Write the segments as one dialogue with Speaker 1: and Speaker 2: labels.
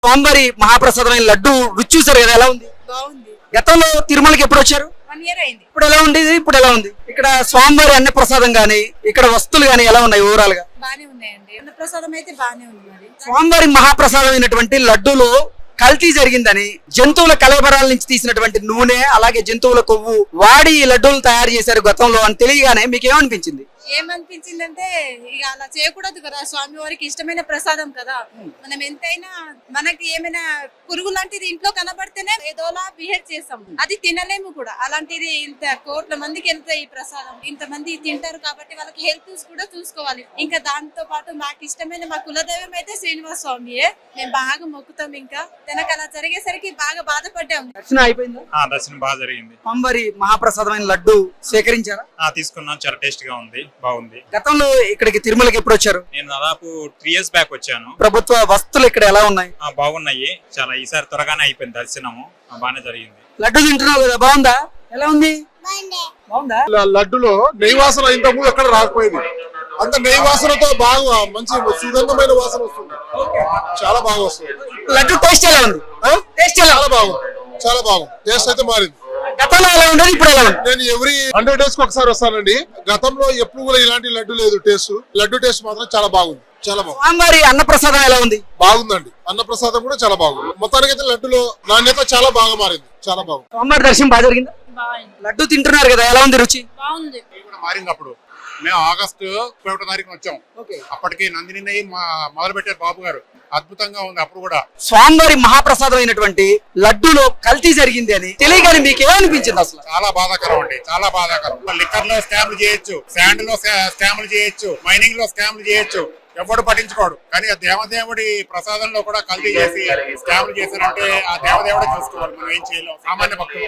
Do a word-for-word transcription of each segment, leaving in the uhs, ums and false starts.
Speaker 1: స్వామివారి మహాప్రసాదమైన లడ్డు రుచి చూసారు కదా, ఎలా ఉంది?
Speaker 2: బాగుంది.
Speaker 1: గతంలో తిరుమలకి ఎప్పుడు వచ్చారు?
Speaker 2: వన్ ఇయర్ అయింది.
Speaker 1: ఇప్పుడు ఎలా ఉంది? ఇప్పుడు ఎలా ఉంది? ఇక్కడ స్వామివారి అన్న ప్రసాదం గానీ ఇక్కడ వస్తువులు గానీ ఎలా ఉన్నాయి ఓవరాల్ గా?
Speaker 2: బానే ఉన్నాయండి. అన్న ప్రసాదం అయితే బానే ఉంది. మరి
Speaker 1: స్వామివారి మహాప్రసాదమైనటువంటి లడ్డూలో కల్తీ జరిగిందని, జంతువుల కలబరాల నుంచి తీసినటువంటి నూనె అలాగే జంతువుల కొవ్వు వాడి ఈ లడ్డూలు తయారు చేశారు గతంలో అని తెలియగానే మీకు ఏమనిపించింది?
Speaker 2: ఏమనిపించిందంటే ఇక అలా చేయకూడదు కదా, స్వామి వారికి ఇష్టమైన ప్రసాదం కదా. మనం ఎంతైనా మనకి ఏమైనా పురుగు లాంటిది ఇంట్లో కనబడితేనే ఏదోలా బిహేవ్ చేస్తాం, అది తినలేము కూడా. అలాంటిది ఇంత కోట్ల మందికి వెళ్తే ఈ ప్రసాదం ఇంత మంది తింటారు కాబట్టి వాళ్ళకి హెల్త్ కూడా చూసుకోవాలి. ఇంకా దాంతో పాటు మాకు ఇష్టమైన మా కులదైవం అయితే శ్రీనివాస స్వామియే. మేము బాగా మొక్కుతాం. ఇంకా తనకు అలా జరిగేసరికి బాగా బాధపడ్డాము.
Speaker 1: దర్శనం అయిపోయిందా?
Speaker 3: దర్శనం బాగా జరిగింది.
Speaker 1: స్వామివారి మహాప్రసాదమైన లడ్డు సేకరించారా?
Speaker 3: తీసుకున్నాం, చాలా టేస్ట్ గా ఉంది, బాగుంది.
Speaker 1: గతంలో ఇక్కడికి తిరుమలకి ఎప్పుడు వచ్చారు?
Speaker 3: నేను దాదాపు త్రీ ఇయర్స్ బ్యాక్ వచ్చాను.
Speaker 1: ప్రభుత్వ వస్తువులు ఇక్కడ ఎలా ఉన్నాయి?
Speaker 3: బాగున్నాయి, చాలా. ఈసారి త్వరగానే అయిపోయింది దర్శనము, బాగానే జరిగింది.
Speaker 1: లడ్డు తింటున్నావు కదా, బాగుందా? ఎలా ఉంది? బాగుందా?
Speaker 4: లడ్డులో నెయ్యి వాసన ఇంత ముందు ఎక్కడ రాకపోయింది. అంత నెయ్యి వాసనతో బాగా మంచి సుగంధమైన వాసన వస్తుంది, చాలా బాగా వస్తుంది.
Speaker 1: లడ్డు టేస్ట్ ఎలా ఉంది? టేస్ట్
Speaker 4: చాలా బాగుంది, చాలా బాగుంది. టేస్ట్ అయితే మారింది.
Speaker 1: గతంలో ఎలా ఉండేది, ఇప్పుడు ఎలా ఉంది?
Speaker 4: నేను ఎవ్రీ హండ్రెడ్ డేస్ కి ఒకసారి వస్తానండి. గతంలో ఎప్పుడు కూడా ఇలాంటి లడ్డు లేదు. టేస్ట్ లడ్డు టేస్ట్ మాత్రం చాలా బాగుంది, చాలా బాగుంది.
Speaker 1: స్వామివారి అన్నప్రసాదం ఎలా ఉంది?
Speaker 4: బాగుందండి. అన్న ప్రసాదం కూడా చాలా బాగుంది. మొత్తానికి అయితే లడ్డులో నాణ్యత చాలా బాగా మారింది, చాలా బాగుంది.
Speaker 1: స్వామివారి దర్శనం బాగా జరిగిందా? లడ్డు తింటున్నారు కదా, ఎలా ఉంది రుచి?
Speaker 2: బాగుంది.
Speaker 5: మారింది. అప్పుడు మేము ఆగస్టు ఒకటో తారీఖున వచ్చాం. అప్పటికి నందిని నెయ్యి మొదలు పెట్టారు బాబు గారు. అద్భుతంగా ఉంది. అప్పుడు కూడా
Speaker 1: స్వామివారి మహాప్రసాదం అయినటువంటి లడ్డూలో కల్తీ జరిగింది అని తెలియగానే మీకు ఏమనిపించింది అసలు?
Speaker 5: చాలా బాధాకరం అండి, చాలా బాధాకరం. లిక్కర్ లో స్కామ్లు చేయొచ్చు, శాండ్ లో స్కామ్లు చేయొచ్చు, మైనింగ్ లో స్కామ్లు చేయొచ్చు, ఎవడు పట్టించుకోడు. కానీ ఆ దేవదేవుడి ప్రసాదంలో కూడా కల్తీ చేసి స్కామ్లు చేశారంటే ఆ దేవదేవుడే చూసుకోవాలి, మనం ఏం చేయలేం. సామాన్య భక్తులు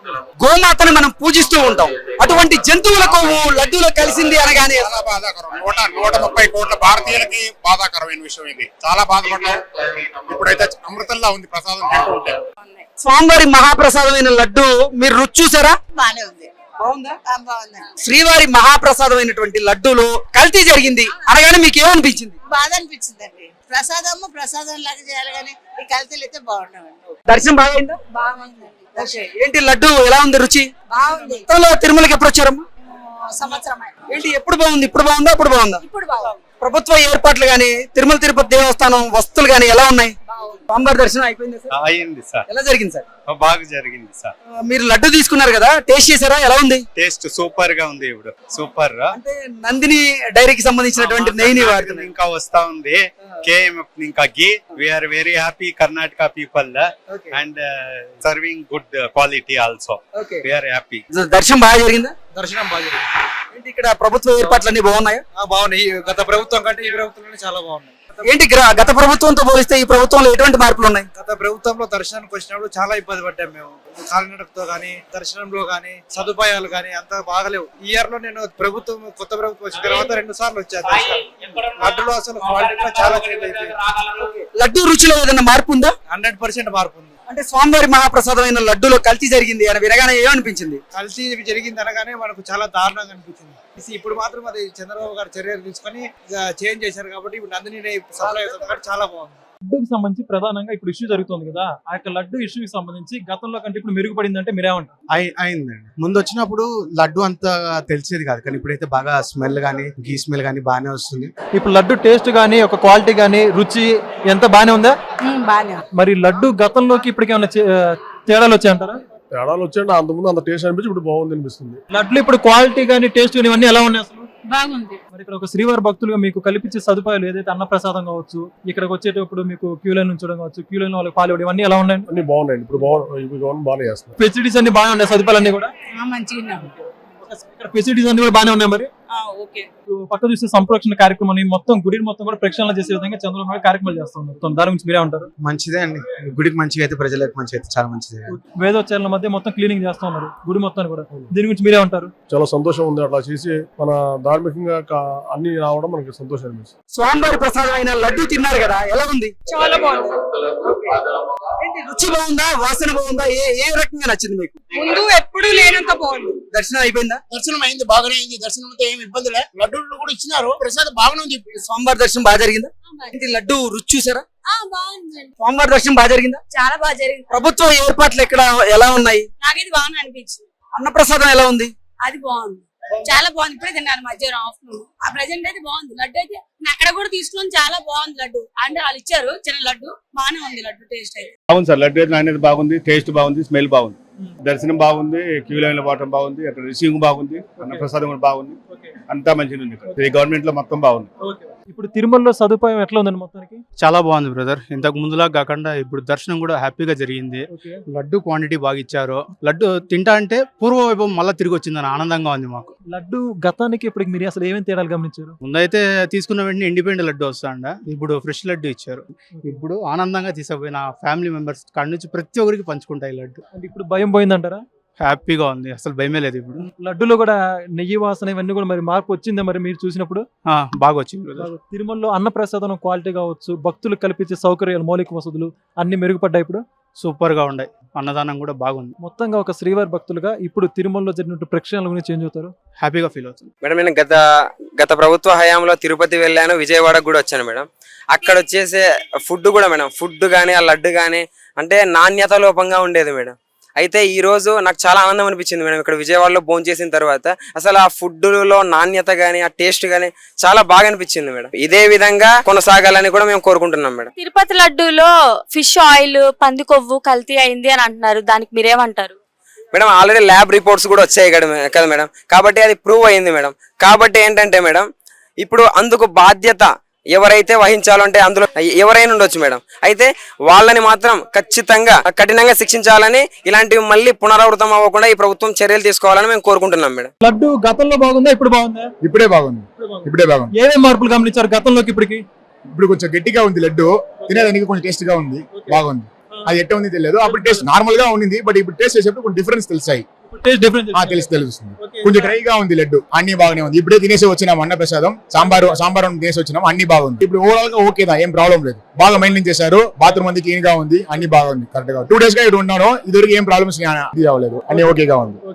Speaker 1: గోమాతను మనం పూజిస్తూ ఉంటాం, అటువంటి జంతువుల కొవ్వు లడ్డూలో కలిసింది అనగానే
Speaker 5: చాలా బాధాకరం. నూట నూట ముప్పై కోట్ల భారతీయులకి బాధాకరమైన విషయం ఇది. చాలా బాధపడ్డాం. ఇప్పుడైతే అమృతంలా ఉంది ప్రసాదం తింటుంటే.
Speaker 1: స్వామివారి మహాప్రసాదమైన లడ్డు మీరు రుచి చూసారా?
Speaker 2: బానే ఉంది.
Speaker 1: బాగుందా?
Speaker 2: బాగుంది.
Speaker 1: శ్రీవారి మహాప్రసాదమైనటువంటి లడ్డూలో కల్తీ జరిగింది అనగానే మీకు ఏమనిపించింది?
Speaker 2: బాధ అనిపించిందండి. ప్రసాదము ప్రసాదం లాగా చేయాలి కానీ ఈ కల్తీలు అయితే బాగుండవండి.
Speaker 1: దర్శనం బాగా అయిందా?
Speaker 2: బాగుందండి.
Speaker 1: ఏంటి లడ్డు ఎలా ఉంది రుచి?
Speaker 2: బాగుంది.
Speaker 1: గతంలో తిరుమలకి ఎప్పుడు వచ్చారమ్మా?
Speaker 2: సంవత్సరం
Speaker 1: ఏంటి ఎప్పుడు బాగుంది? ఇప్పుడు బాగుందా? అప్పుడు బాగుందా?
Speaker 2: ఇప్పుడు బాగుంది.
Speaker 1: ప్రభుత్వ ఏర్పాట్లు గానీ తిరుమల తిరుపతి దేవస్థానం వస్తువులు గానీ ఎలా ఉన్నాయి? స్వామివారి దర్శనం అయిపోయింది సార్?
Speaker 6: అయింది సార్.
Speaker 1: ఎలా జరిగింది సార్?
Speaker 6: బాగా జరిగింది సార్.
Speaker 1: మీరు లడ్డు తీసుకున్నారు కదా, టేస్ట్ చేశారా? ఎలా ఉంది?
Speaker 6: టేస్ట్ సూపర్ గా ఉంది. ఇప్పుడు సూపర్.
Speaker 1: అంటే నందిని డైరీకి సంబంధించినటువంటి నెయ్యిని వాడుతుంది.
Speaker 6: ఇంకా వస్తా ఉంది కేఎంఎఫ్ ఇంకా ghee. We're very happy Karnataka people and serving good quality also. We're happy.
Speaker 1: దర్శనం బాగా జరిగిందా?
Speaker 7: దర్శనం బాగా జరిగింది.
Speaker 1: ఏంటి ఇక్కడ ప్రభుత్వ ఏర్పాట్లు అన్ని బాగున్నాయా?
Speaker 7: బాగున్నాయి. గత ప్రభుత్వం కంటే ఈ ప్రభుత్వంలోనే చాలా బాగున్నాయి.
Speaker 1: ఏంటి గత ప్రభుత్వంతో పోలిస్తే ఈ ప్రభుత్వంలో ఎటువంటి మార్పులు ఉన్నాయి?
Speaker 7: గత ప్రభుత్వంలో దర్శనానికి వచ్చినప్పుడు చాలా ఇబ్బంది పడ్డాం మేము. కాలినడకతో గానీ దర్శనంలో గానీ సదుపాయాలు గానీ అంత బాగలేవు. ఈ ఇయర్ లో నేను ప్రభుత్వం కొత్త ప్రభుత్వం వచ్చిన తర్వాత రెండు సార్లు వచ్చాను. లడ్డులో అసలు క్వాలిటీ చాలా చేంజ్ అయిపోయింది.
Speaker 1: లడ్డు రుచిలో ఏదైనా మార్పు ఉందా?
Speaker 7: హండ్రెడ్ పర్సెంట్ మార్పు ఉంది.
Speaker 1: అంటే స్వామివారి మహాప్రసాదమైన లడ్డులో కల్తీ జరిగింది అని వినగానే ఏమనిపించింది?
Speaker 7: కల్తీ జరిగింది అనగానే మనకు చాలా దారుణంగా అనిపించింది. ఇప్పుడు మాత్రం అది చంద్రబాబు గారు చర్యలు తీసుకొని చేంజ్ చేశారు కాబట్టి ఇప్పుడు నందిని సప్లై అవుతుంది, చాలా బాగుంది.
Speaker 8: లడ్డూకి సంబంధించి ప్రధానంగా ఇప్పుడు ఇష్యూ జరుగుతుంది కదా, ఆ యొక్క లడ్డు ఇష్యూకి సంబంధించి గతంలో కంటే ఇప్పుడు మెరుగుపడింది అంటే మీరేమంటారు?
Speaker 9: అయిందండి. ముందు వచ్చినప్పుడు లడ్డు అంత తెలిసేది కాదు, కానీ ఇప్పుడైతే బాగా స్మెల్ గానీ గీ స్మెల్ గానీ బాగానే వస్తుంది.
Speaker 8: ఇప్పుడు లడ్డు టేస్ట్ గానీ ఒక క్వాలిటీ గానీ రుచి ఎంత బానే ఉందా?
Speaker 2: బానే.
Speaker 8: మరి లడ్డు గతంలోకి ఇప్పటికి ఏమైనా తేడాలు వచ్చాయంటారా?
Speaker 4: తేడాలు వచ్చాయండి. అంతకుముందు అంత టేస్ట్ అనిపించి ఇప్పుడు బాగుంది అనిపిస్తుంది.
Speaker 8: లడ్లు ఇప్పుడు క్వాలిటీ గానీ టేస్ట్ గానీ ఇవన్నీ ఎలా ఉన్నాయి అసలు?
Speaker 2: బాగుంది.
Speaker 8: మరి ఇక్కడ ఒక శ్రీవారి భక్తులుగా మీకు కల్పించే సదుపాయాలు ఏదైతే అన్నప్రసాదం కావచ్చు, ఇక్కడికి వచ్చేటప్పుడు మీకు క్యూ లైన్ ఉంచడం కావచ్చు, క్యూ లైన్ వాళ్ళకి పాలు ఇవన్నీ ఎలా ఉన్నాయి?
Speaker 4: అన్ని బాగున్నాయండి. ఇప్పుడు బాగున్నాయి, బాగానే చేస్తున్నారు.
Speaker 8: ఫెసిలిటీస్ అన్ని బాగా ఉన్నాయి, సదుపాయాలు అన్ని కూడా
Speaker 2: మంచిగా
Speaker 8: ఇక్కడ ఫెసిలిటీస్ అన్ని కూడా బాగానే ఉన్నాయి. మరి పక్క చూస్తే సంరక్షణ కార్యక్రమాన్ని మొత్తం గుడిని మొత్తం కూడా ప్రక్షాళన చేసే విధంగా చంద్రబాబు నాయుడు కార్యక్రమాలు చేస్తూ ఉన్నారు. దాని గురించి మీరే ఉంటారు?
Speaker 9: మంచిదే అండి. గుడికి మంచిగా అయితే ప్రజలకు మంచిగా అయితే చాలా మంచిదే.
Speaker 8: వేదోచ్చారణ మధ్య మొత్తం క్లీనింగ్ చేస్తూ ఉన్నారు గుడి మొత్తాన్ని కూడా. దీని గురించి మీరే ఉంటారు?
Speaker 4: చాలా సంతోషం ఉంది. అట్లా చేసి మన ధార్మికంగా అన్ని రావడం మనకి సంతోషం అనిపిస్తుంది.
Speaker 1: స్వామివారి ప్రసాదం అయిన లడ్డు తిన్నారు కదా, ఎలా ఉంది?
Speaker 2: చాలా బాగుంది.
Speaker 1: రుచి బాగుందా? వాసన బాగుందా? ఏ ఏ రకంగా నచ్చింది మీకు?
Speaker 2: ముందు ఎప్పుడు లేనంత బాగుంది.
Speaker 1: దర్శనం అయిపోయిందా?
Speaker 5: దర్శనం అయింది, బాగానే అయింది. దర్శనం అయితే ఏం
Speaker 10: ఏమి ఇబ్బందులే, లడ్డూలు కూడా ఇచ్చినారు, ప్రసాదం బాగానే ఉంది.
Speaker 1: స్వామివారి దర్శనం బాగా జరిగిందా? ఏంటి లడ్డు రుచి చూసారా?
Speaker 2: బాగుందండి,
Speaker 1: స్వామివారి దర్శనం బాగా జరిగిందా?
Speaker 2: చాలా బాగా జరిగింది.
Speaker 1: ప్రభుత్వ ఏర్పాట్లు ఎక్కడ ఎలా ఉన్నాయి?
Speaker 2: నాకైతే బాగా అనిపించింది.
Speaker 1: అన్నప్రసాదం ఎలా ఉంది?
Speaker 2: అది బాగుంది, చాలా బాగుంది. ఇప్పుడే తిన్నాను మధ్యాహ్నం ఆఫ్టర్నూన్. ఆ ప్రెజెంట్ అయితే బాగుంది లడ్డు అయితే. నేను అక్కడ కూడా తీసుకుని చాలా బాగుంది లడ్డు. అంటే వాళ్ళు ఇచ్చారు చిన్న లడ్డు, బాగానే ఉంది లడ్డు టేస్ట్ అయితే.
Speaker 11: బాగుంది సార్, లడ్డు అయితే నాణ్యత బాగుంది, టేస్ట్ బాగుంది, స్మెల్ బాగుంది, దర్శనం బాగుంది, క్యూ లైన్ లో పోవటం బాగుంది, అక్కడ రిసీవింగ్ బాగుంది, అన్న ప్రసాదం కూడా బాగుంది, అంతా మంచిగా ఉంది. ఈ గవర్నమెంట్ లో మొత్తం బాగుంది.
Speaker 8: ఇప్పుడు తిరుమలలో సదుపాయం ఎట్లా ఉందండి మొత్తానికి?
Speaker 9: చాలా బాగుంది బ్రదర్. ఇంతకు ముందులా కాకుండా ఇప్పుడు దర్శనం కూడా హ్యాపీగా జరిగింది. లడ్డు క్వాంటిటీ బాగా ఇచ్చారు. లడ్డు తింటా అంటే పూర్వ వైభవం మళ్ళీ తిరిగి వచ్చిందని ఆనందంగా ఉంది మాకు.
Speaker 8: లడ్డు గతానికి ఇప్పుడు మీరు అసలు ఏమేమి తేడాలు గమనించారు?
Speaker 9: ముందైతే తీసుకున్న వెంటనే ఇండిపెండెంట్ లడ్డు వస్తాండ, ఇప్పుడు ఫ్రెష్ లడ్డు ఇచ్చారు. ఇప్పుడు ఆనందంగా తీసుకుపోయిన ఫ్యామిలీ మెంబర్స్ కాడి నుంచి ప్రతి ఒక్కరికి పంచుకుంటాయి లడ్డు.
Speaker 8: అంటే ఇప్పుడు భయం పోయిందంటారా?
Speaker 9: హ్యాపీగా ఉంది, అసలు భయమే లేదు. ఇప్పుడు
Speaker 8: లడ్డులో కూడా నెయ్యి వాసన ఇవన్నీ కూడా మరి మార్పు వచ్చిందా మరి మీరు చూసినప్పుడు?
Speaker 9: ఆ, బాగా వచ్చింది brother.
Speaker 8: తిరుమలలో అన్నప్రసాదం క్వాలిటీ కావచ్చు, భక్తులకు కల్పించే సౌకర్యాలు, మౌలిక వసతులు అన్ని మెరుగుపడ్డాయి. ఇప్పుడు
Speaker 9: సూపర్ గా ఉన్నాయి, అన్నదానం కూడా బాగుంది.
Speaker 8: మొత్తంగా ఒక శ్రీవారి భక్తులుగా ఇప్పుడు తిరుమలలో జరిగినట్టు ప్రక్షాళన గురించి చేంజ్ అవుతారు?
Speaker 9: హ్యాపీగా ఫీల్ అవుతుంది
Speaker 12: మేడం. నేను గత గత ప్రభుత్వ హయాంలో తిరుపతి వెళ్ళాను, విజయవాడకు కూడా వచ్చాను మేడం. అక్కడ వచ్చేసే ఫుడ్ కూడా మేడం, ఫుడ్ కానీ ఆ లడ్డు కానీ అంటే నాణ్యత లోపంగా ఉండేది మేడం. అయితే ఈ రోజు నాకు చాలా ఆనందం అనిపించింది మేడం. ఇక్కడ విజయవాడలో భోజనం చేసిన తర్వాత అసలు ఆ ఫుడ్ లో నాణ్యత గానీ ఆ టేస్ట్ గానీ చాలా బాగా అనిపించింది మేడం. ఇదే విధంగా కొనసాగాలని కూడా మేము కోరుకుంటున్నాం మేడం.
Speaker 13: తిరుపతి లడ్డూలో ఫిష్ ఆయిల్, పంది కొవ్వు కల్తీ అయింది అని అంటున్నారు, దానికి మీరేమంటారు?
Speaker 12: మేడం ఆల్రెడీ ల్యాబ్ రిపోర్ట్స్ కూడా వచ్చాయి కదా మేడం, కాబట్టి అది ప్రూవ్ అయింది మేడం. కాబట్టి ఏంటంటే మేడం ఇప్పుడు అందుకు బాధ్యత ఎవరైతే వహించాలో అంటే అందులో ఎవరైనా ఉండొచ్చు మేడం. అయితే వాళ్ళని మాత్రం ఖచ్చితంగా కఠినంగా శిక్షించాలని, ఇలాంటివి మళ్ళీ పునరావృతం అవ్వకుండా ఈ ప్రభుత్వం చర్యలు తీసుకోవాలని మేము కోరుకుంటున్నాం మేడం.
Speaker 8: లడ్డు గతంలో బాగుందా ఇప్పుడు బాగుందా?
Speaker 4: ఇప్పుడే బాగుంది, ఇప్పుడే బాగుంది.
Speaker 8: ఏమేమి మార్పులు గమనించారు గతంలోకి ఇప్పటికి?
Speaker 4: ఇప్పుడు కొంచెం గట్టిగా ఉంది లడ్డు, తినేదానికి కొంచెం టేస్ట్ గా ఉంది, బాగుంది. అది ఎట్ట ఉంది తెలియదు, అప్పుడు టేస్ట్ నార్మల్ గా ఉంది, బట్ ఇప్పుడు టేస్ట్ చేసేప్పుడు కొంచెం డిఫరెన్స్ తెలిసాయి. తెలిసి తెలుస్తుంది. కొంచెం డ్రైగా ఉంది లడ్డు, అన్ని బాగానే ఉంది. ఇప్పుడే తినేసి వచ్చినాం అన్న ప్రసాదం, సాంబార్ సాంబార్ తినేసి వచ్చినాం, అన్ని బాగుంది. ఇప్పుడు ఓవరాల్ గా ఓకేదా, ఏం ప్రాబ్లం లేదు. బాగా మెయింటైన్ చేశారు, బాత్రూమ్ అంది క్లీన్ గా ఉంది, అన్ని బాగుంది, కరెక్ట్ గా. టూ డేస్ గా ఇక్కడ ఉన్నాను, ఇదివరకు ఏం ప్రాబ్లమ్స్ అవ్వలేదు, అన్ని ఓకేగా ఉంది.